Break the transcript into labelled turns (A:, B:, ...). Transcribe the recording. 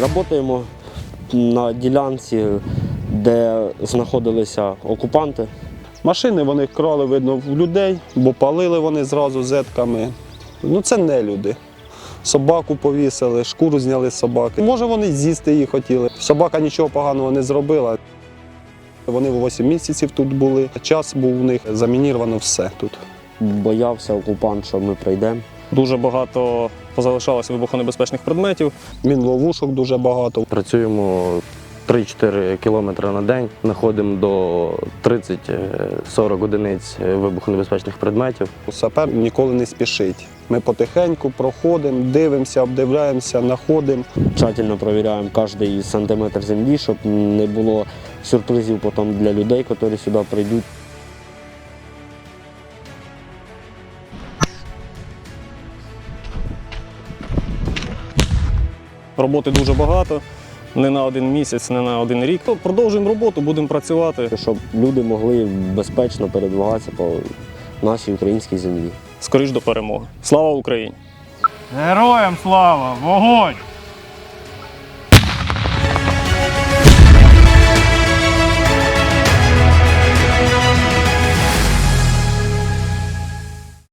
A: Працюємо на ділянці, де знаходилися окупанти.
B: Машини вони крали, видно, в людей, бо палили вони зразу зетками. Ну це не люди. Собаку повісили, шкуру зняли з собаки. Може вони з'їсти її хотіли. Собака нічого поганого не зробила. Вони 8 місяців тут були. Час був у них, замініровано все тут.
A: Боявся окупант, що ми прийдемо.
C: Дуже багато позалишалося вибухонебезпечних предметів.
B: Мінловушок дуже багато.
D: Працюємо 3-4 кілометри на день, знаходимо до 30-40 одиниць вибухонебезпечних предметів.
B: Сапер ніколи не спішить. Ми потихеньку проходимо, дивимося, обдивляємося, знаходимо.
A: Тщательно перевіряємо кожен сантиметр землі, щоб не було сюрпризів потім для людей, які сюди прийдуть.
C: Роботи дуже багато, не на один місяць, не на один рік. Продовжуємо роботу, будемо працювати.
A: Щоб люди могли безпечно передвигатися по нашій українській землі.
C: Скоріш до перемоги. Слава Україні!
E: Героям слава! Вогонь!